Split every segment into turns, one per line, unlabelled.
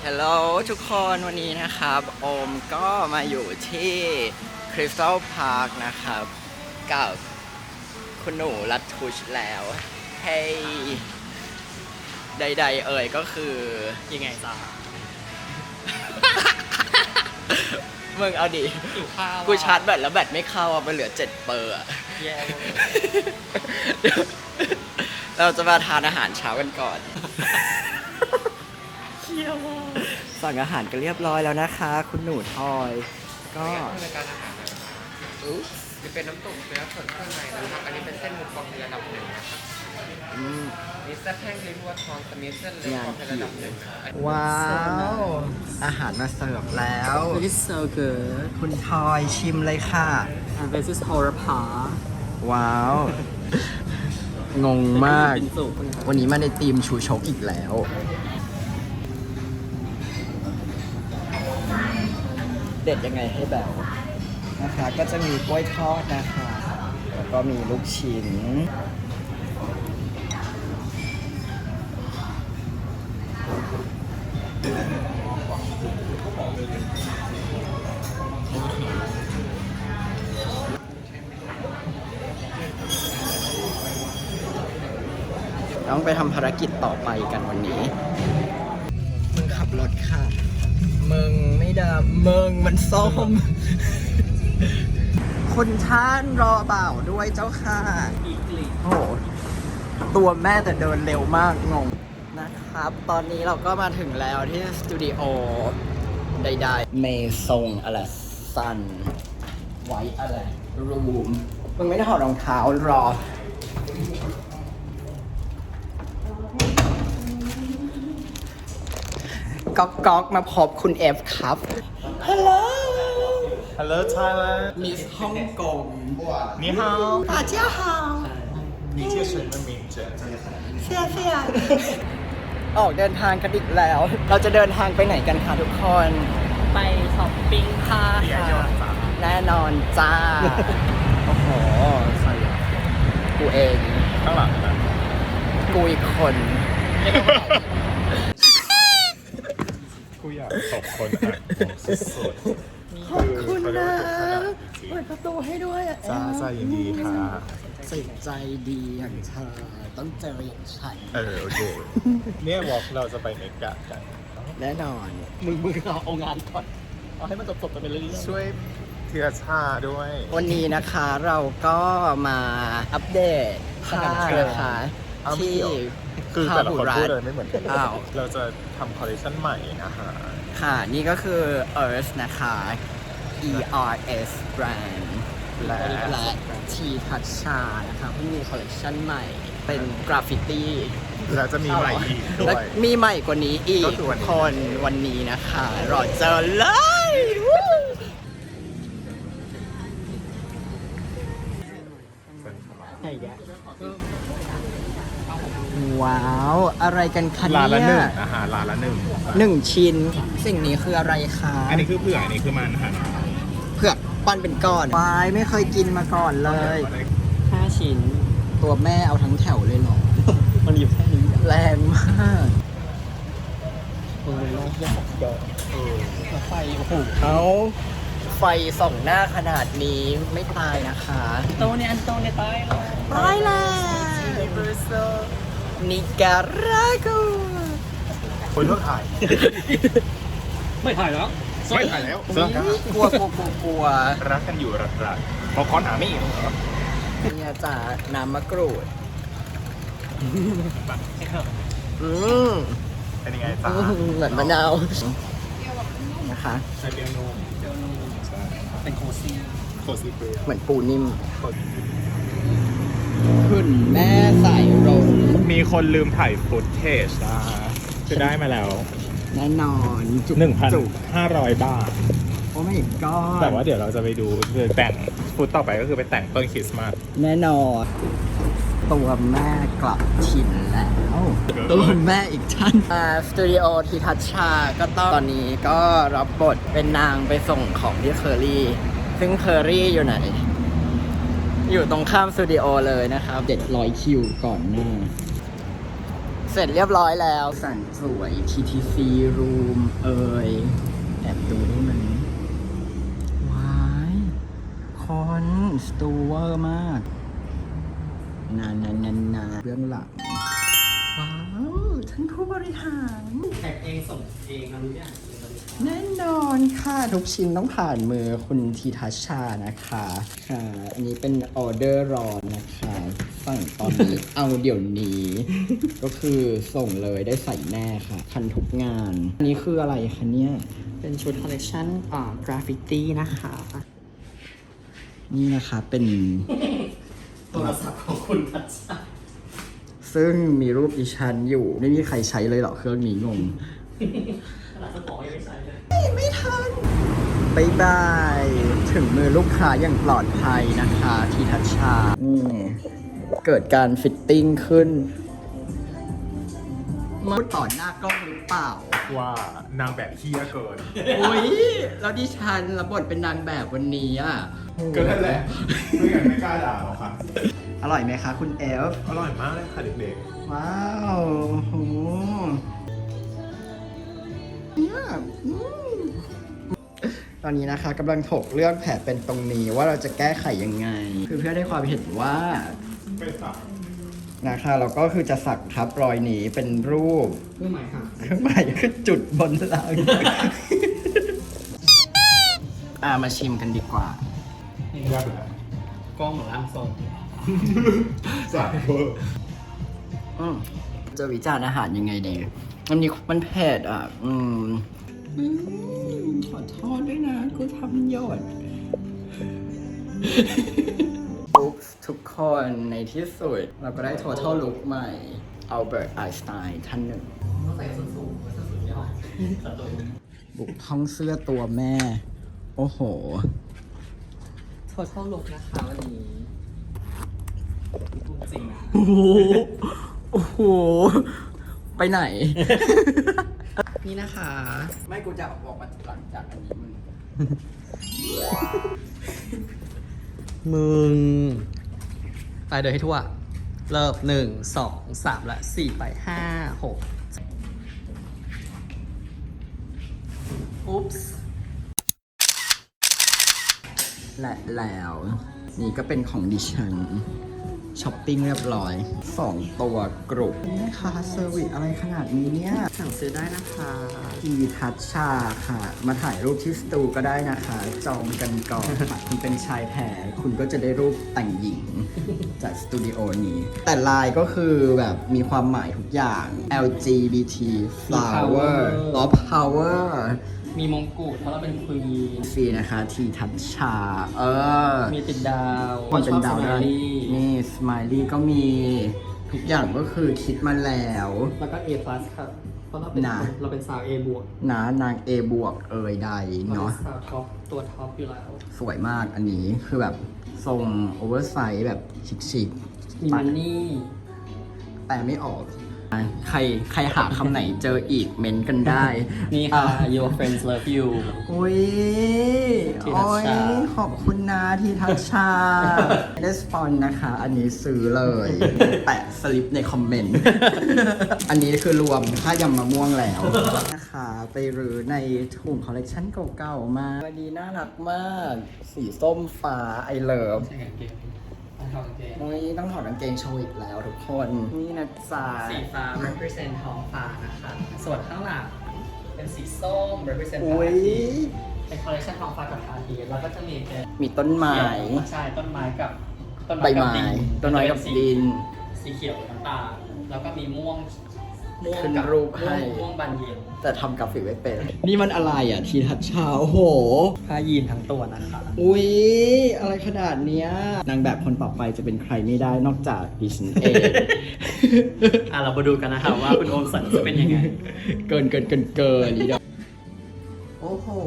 ฮัลโหลทุกคนวันนี้นะครับโอมก็มาอยู่ที่คริสตัลพาร์คนะครับกับคุณหนูรัตทุชแล้วให้ใดๆเอ่ยก็คือ
ยังไงจ้า
มึงเอาดิ
หิวข้าว
กูชาร์จแบตแล้วแบตไม่เข้าอ่ะมันเหลือ7เปอร์อ่ะ
แย่เลย
เราจะมาทานอาหารเช้ากันก่อน
เคี้ยวมาก
สั่งอาหารกันเรียบร้อยแล้วนะคะ คุณหนูทอยก็
รายการอาหารนะครับจะเป็นน้ำตกเนื้อส่วนเครื่องในนะครับ อันนี้เป็นเส้นหมูกรอบในระดับหนึ่งนะครับ
อืม
นี่เส้นแห้งลิ้นวัวทองสมิธเส้นเล็กกรอบในระดับหนึ่งนะครับ
ว้าวอาหารมาเสิร์ฟแล้ว
This is so good
คุณทอยชิมเลยค่ะ
and this is horror pa
ว้าว งงมาก
เป็นสุก
วันนี้มาในทีมชูชกอีกแล้ว เด็ดยังไงให้แบบนะคะ ก็จะมีกล้วยทอดนะคะ แล้วก็มีลูกชิ้น ต้องไปทำภารกิจต่อไปกันวันนี้ มึงขับรถค่ะ มึงไม่ดามึงมันส้ม คุณท่านรอบ่าวด้วยเจ้าค่ะ
อีกลี
โอ้โห ตัวแม่แต่เดินเร็วมากงงนะครับ ตอนนี้เราก็มาถึงแล้วที่สตูดิโอใดๆเมซงอะไรซัน ไว้อะไรรูม มึงไม่ได้ถอดรองเท้ารอ ก๊อกมาพบคุณเอฟครับ ฮัลโหล
Hello Thailand，
มิสฮ่องกง
你好，
大家好
你叫什么名字？
เสียออกเดินทางกันอีกแล้ว เราจะเดินทางไปไหนกันคะทุกคน
ไปช้อปปิ้งค่ะ
แน่นอนจ้า โอ้โหใครอ่ะกูเอง
ข้างหลังนะ
กูอีกคน
กูอยากตบคนอ่ะสุด
ขอบคุณ
เขาเรียก
นะ
ว่าทุกขนาดจริง
เปิดประตูให้ด้วยอ่ะ
จ้าจ้ายินดีค่ะ
สิใจดีอย่างเธอต้องเจออย่างฉัน
โอเค เนี่ยวอล์กเราจะไปเมกะกัน
แน่นอน
มึงเอางานก่อน เอาให้มันจบๆไปเรื่อยๆ
ช่วยเทียชาด้วย
วันนี้นะคะเราก็มาอัปเดตค่านะคะ
อ้าวไม่
ที่
เกี่ยว คือแต่ละคนพูดเลยไม่เหมือนกัน
อ้าว
เราจะทำคอลเลคชันใหม่นะฮะ
ค่ะ นี่ก็คือ Earth นะคะ ERS Brand และ T Toucha นะคะเพิ่งมีคอลเลคชันใหม่ เป็นกราฟฟิตี้
แล้วจะมีใหม่อีกด้
และ
วย
มีใหม่กว่านี้อี
ก็
ก
คือวันนี้
คนวันนี้นะคะ รอเจอเลยวู้ว้าว อะไรกันคะ
ร้านละห
เนี่
นึ่
ย
งอาหารร้านละหนึ่ง
1 ชิ้น สิ่งนี้คืออะไรคะ
อันนี้คือเผือกอันนี้คือมันค่ะ
เผือกปั้นเป็นก้อนวายไม่เคยกินมาก่อนเลย
5 ชิ้น
ตัวแม่เอาทั้งแถวเลยเหรอ
มันอยู่แค่นี้
แรงมาก
โลกยากเกินไฟโอ้โห
เอาไฟส่องหน้าขนาดนี้ไม่ตายนะคะ
โตเนี่ยอันโตเนี่ยตายแล้ว
ตายแล้วนิการากู
คนเลือกถ่าย
ไม่ถ่ายแล้ว
ไม่ถ่ายแล้วเสื้อก
ลัวกลัว
รักกันอยู่รักๆพอคอนหาไม่อีกเหรอ
เนี่ยจ้าน้ำมะกรูด อืม
เป็นยังไงจ้า
เหมือนมะนาวนะคะ
ใช้เปียโนใช่
เป็นโคซี่
โคซีเปีย
เหมือนปูนิ่มขึ้นแม่ใส่ลง
มีคนลืมถ่ายฟุตเทจนะคือได้มาแล้ว
แน่นอนจุก
1,500 บาท
โอ้ไม่ก็
แต่ว่าเดี๋ยวเราจะไปดูคือแต่งฟุตต่อไปก็คือไปแต่งต้นคริสต์มาส
แน่นอน ตัวแม่กลับถิ่นแล้วตัวแม่อีกท่านสตูดิโอทีทัชชาก็ตอนนี้ก็รับบทเป็นนางไปส่งของที่เคอรี่ ซึ่งเคอรี่อยู่ไหน อยู่ตรงข้ามสตูดิโอเลยนะครับ700 คิวก่อนหน้า สเสร็จเรียบร้อยแล้วสั่นสวย TTC Room แอบดูได้ไหมว้ายคอนสตูเวอร์มากนานเรื่องหลังว้าวท่านผู้บริหาร
แท็กเองส่งเองนะรู้ยัง
แน่นอนค่ะ ทุกชิ้นต้องผ่านมือคุณธีทัชชานะคะค่ะอันนี้เป็นออเดอร์รอนนะคะสั่งตอนนี้ เอาเดี๋ยวนี้ ก็คือส่งเลยได้ใส่แน่ค่ะ ทันทุกงาน อันนี้คืออะไรคะเนี่ย
เป็นชุดคอลเลคชันกราฟฟิตี้นะคะ
นี่นะคะเป็น
โทรศัพท์ของคุณทัชชา
ซึ่งมีรูปดิฉันอยู่ ไม่มีใครใช้เลยเหรอเครื่องนี้งง
ขนาดสมองยังไม่ใช่เลย
ไม่ทันบายบาย ถึงมือลูกค้าอย่างปลอดภัยนะคะทีทัชชาเกิดการฟิตติ้งขึ้นมาต่อหน้ากล้องหรือเปล่า
ว่านางแบบเฮี้ยเกิน
อุ้ยแล้วดิฉันรับบทเป็นนางแบบวันนี้อ่ะ
ก็นั่นแหละ ไม่งั้นไม่กล้าด่าหรอกค่ะ
อร่อยไหมคะคุณเอฟ
อร่อยมากเลยค่ะเด็ก
ว้าวโหเนี่ยตอนนี้นะคะกำลังถกเรื่องแผลเป็นตรงนี้ว่าเราจะแก้ไขยังไง คือเพื่อได้ความเห็นว่า
ๆเป็นสับ
นะคะเราก็คือจะสักทับรอยนี้เป็นรูป
เรื่องหมายค่ะ
เครื่องหมายคือจุดบนหลัง มาชิมกันดีกว่า
ยากเลย
กล้องหรือร่างทรง
สับเวอร์
จะวิจารณ์อาหารยังไงดีมันนี้มันเผ็ดอ่ะขอโทษด้วยนะกูทำยอด ปุ๊บทุกคนในที่สุดเราก็ได้ total look ใหม่ อัลเบิร์ตไอน์สไตน์ท่านหนึ่ง
ต้องใส่ส้นสูงส้นสูงยอดตัดตัว
บุกท้องเสื้อตัวแม่ โอ้โห
โทษเข้าลกนะคะวันนี้จริง
โอ้โห โอ้โห ไปไหน
นี่นะคะ
ไม่กูจะออกมาหลังจากอันนี้มึง
มึง ไปเดินให้ทั่ว เริ่ม1 2 3 และ 4 ไป 5 6 อุ๊ปส์
และแล้ว นี่ก็เป็นของดิฉันช้อปปิ้งเรียบร้อย 2 ตัวกรุบนี่นะคะเซอร์วิสอะไรขนาดนี้เนี่ย
สั่งซื้อได้นะคะ
ทีทัชชาค่ะ มาถ่ายรูปที่สตูก็ได้นะคะ จองกันก่อนค่ะคุณเป็นชายแท้คุณก็จะได้รูปแต่งหญิง จากสตูดิโอนี้ แต่ลายก็คือแบบมีความหมายทุกอย่าง LGBT flower of power
มีมงกุฎเพราะเราเป็นควีน
ฟรีนะคะทีทัชชา
มีติดดาว
คนเป็นดาว
ช
ได้
อบ smiley
นี่สไมลี่ก็มีทุกอย่างก็คือคิดมาแล้ว
แล้วก็ A+ ครับเพราะเราเป็น
น่ะ
เราเป็นสาว A บวก
นะนาง A บวกใด
เรา
เนาะ
เป็นสาวท็อปตัวท็อปอยู่แล้ว
สวยมากอันนี้คือแบบทรงโอเวอร์ไซส์แบบชิค
มีมันนี่
ๆแต่ไม่ออก ใครหาคำไหนเจออีกเม้นกันได้
นี่ค่ะ your friends love you
อุ้ย
ทีทัชชา
โอ้ยขอบคุณนะทีทัชชา ไม่ได้สปอนนะคะ อันนี้ซื้อเลย แปะสลิปในคอมเมนต์ อันนี้คือรวมค่ายำมะม่วงแล้วนะคะ ไปรื้อในถุงคอลเลกชันเก่าๆมาวันนี้น่ารักมาก สีส้มฟ้าไอเลิฟ
ใช่กางเกงต้องถอดกางเกง
นี่ต้องถอดกางเกงโชว์อีกแล้วทุกคน นี่นะจ๊ะ
สีฟ้า represent ท้องฟ้านะคะ ส่วนข้างหลังเป็นสีส้ม represent พ
อุ้
ระอาย ทิตย์เป็นคอลเลคชันท้องฟ้ากับพระอาทิตย์แล้วก็จะมีเป็น
มีต้นไม้
ใช่ต้นไม้กับ
ใบไม้ต้นไม้กับดิน
สีเขียวน้ำตาลแล้วก็มีม่วง
ขึ้นรูปให้
ม่วงบานเย็น
แต่ทำกราฟิกไม่เป็น นี่มันอะไรอ่ะ ทีทัชชาโอ้โห
ผ้ายีนทั้งตัวนะคะ
อุ๊ย อะไรขนาดเนี้ย นางแบบคนต่อไปจะเป็นใครไม่ได้นอกจากดิฉันเอง
เรามาดูกันนะคะว่าคุณโอมสันจะเป็นยังไง
เกินนี่เดียวโอ้โห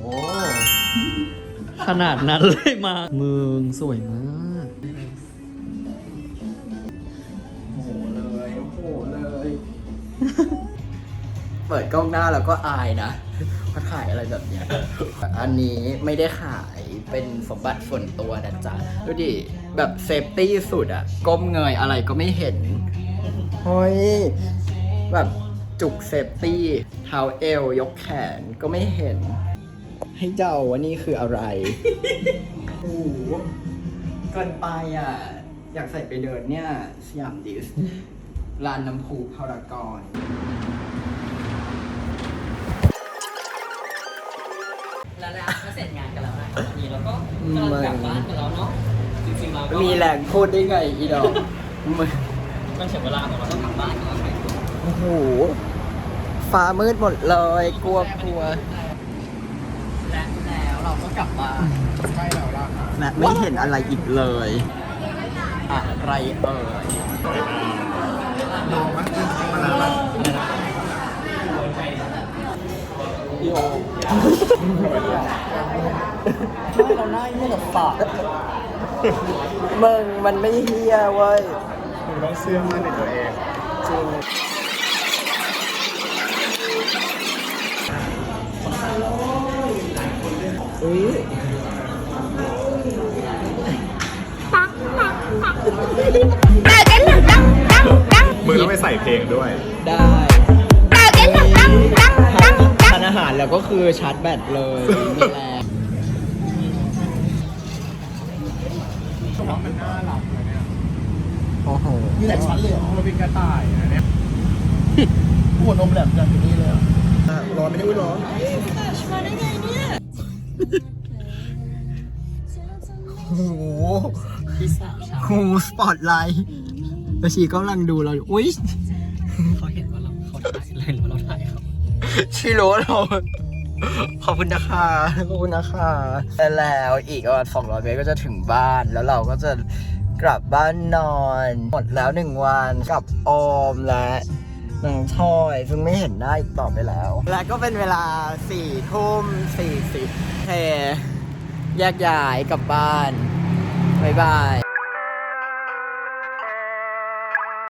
ขนาดนั้นเลยมามึงสวยมาก
โอ้โหเลยโอ้โหเลย เปิดกล้องหน้าแล้วก็อายนะมาถ่ายอะไรแบบเนี้ย อันนี้ไม่ได้ขายเป็นสมบัติส่วนตัวนะจ๊ะ ดูดิ แบบเซฟตี้สุดอะก้มเงยอะไรก็ไม่เห็น เฮ้ยแบบจุกเซฟตี้เท้าเอวยกแขนก็ไม่เห็น ให้เดาว่านี่คืออะไร โอ้โหเกินไปอ่ะ อยากใส่ไปเดินเนี่ยสยามดิสลานน้ำพุพารากอน
แล้วก็เสร็จงานกันแล้วนะครับวันนี้เราก็กำลังกลับบ้านกันแล้วเนาะจริงๆเราก็
มีแรงพูดได้ไงอีดอกมึง
มันถึงเวลาของเราต้องกลับบ้านแล้วไง
โอ้โห ฟ้ามืดหมดเลย กลัว
และแล้วเราก็กลับบ้าน
ใช่แล้วล่ะ
และไม่เห็นอะไรอีกเลย อะไรเอ่ย
ลองมั้ยมานานละ
พี่โอเราหน้าเยี่ยกับปากมึงมันไม่เฮียเว้ย
มึงต้องเชื่อมั่นในตัวเอง
จริงอุ้ย
มึงต้องไปใส่เพลงด้วย
ได้ทานอาหารแล้วก็คือชาร์จแบตเลยมีแรง
มันน่ารักเลยเนี่ย
โอ้โห
มีหลายชั้นเลยเหรอมันเป็นกระต่ายนะเนี่ยหัวนมแหลมจังอยู่นี่เลยอ่ะร้อนไม่ได้อุ้ยร้อน
โอ้โห
ที่สาวชาว
ฮูสปอตไลท์แล้วชีก็กำลังดูเราอยู่อุ้ย
เขาเห็นว่าเขาถ่ายเลยหรือว่าเราถ่ายเขา
ชิโร่เราขอบคุณนะคะขอบคุณนะคะแล้วอีกประมาณ200 เมตรก็จะถึงบ้านแล้วเราก็จะกลับบ้านนอน หมดแล้ว1 วันกับออมและน้องทอยซึ่งไม่เห็นหน้าอีกต่อไปแล้ว และก็เป็นเวลา4:40เฮแยกย้ายกลับบ้านบ๊ายบาย